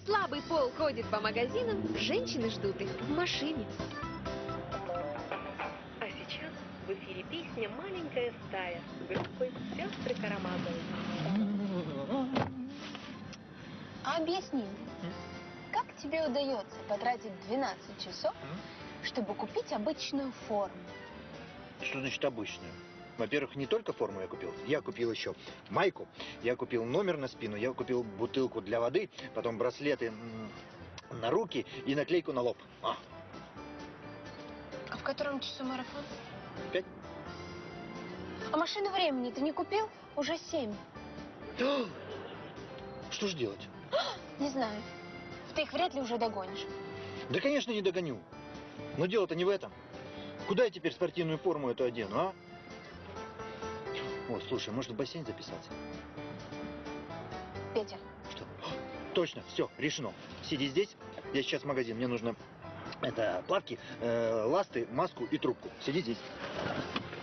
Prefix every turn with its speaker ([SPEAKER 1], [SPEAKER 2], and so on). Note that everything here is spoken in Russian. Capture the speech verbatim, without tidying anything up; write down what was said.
[SPEAKER 1] слабый пол ходит по магазинам, женщины ждут их в машине.
[SPEAKER 2] А сейчас в эфире песня «Маленькая стая» группы «Сестры Карамазовы».
[SPEAKER 3] А объясни мне, как тебе удается потратить двенадцать часов, чтобы купить обычную форму?
[SPEAKER 4] Что значит обычную? Во-первых, не только форму я купил, я купил еще майку, я купил номер на спину, я купил бутылку для воды, потом браслеты на руки и наклейку на лоб. А,
[SPEAKER 3] А в котором часу марафон?
[SPEAKER 4] Пять.
[SPEAKER 3] А машину времени ты не купил? Уже семь.
[SPEAKER 4] Что ж делать?
[SPEAKER 3] Не знаю. Ты их вряд ли уже догонишь.
[SPEAKER 4] Да, конечно, не догоню. Но дело-то не в этом. Куда я теперь спортивную форму эту одену, а? О, слушай, может в бассейн записаться?
[SPEAKER 3] Петя.
[SPEAKER 4] Что? Точно, все, решено. Сиди здесь, я сейчас в магазин, мне нужно это плавки, э, ласты, маску и трубку. Сиди здесь.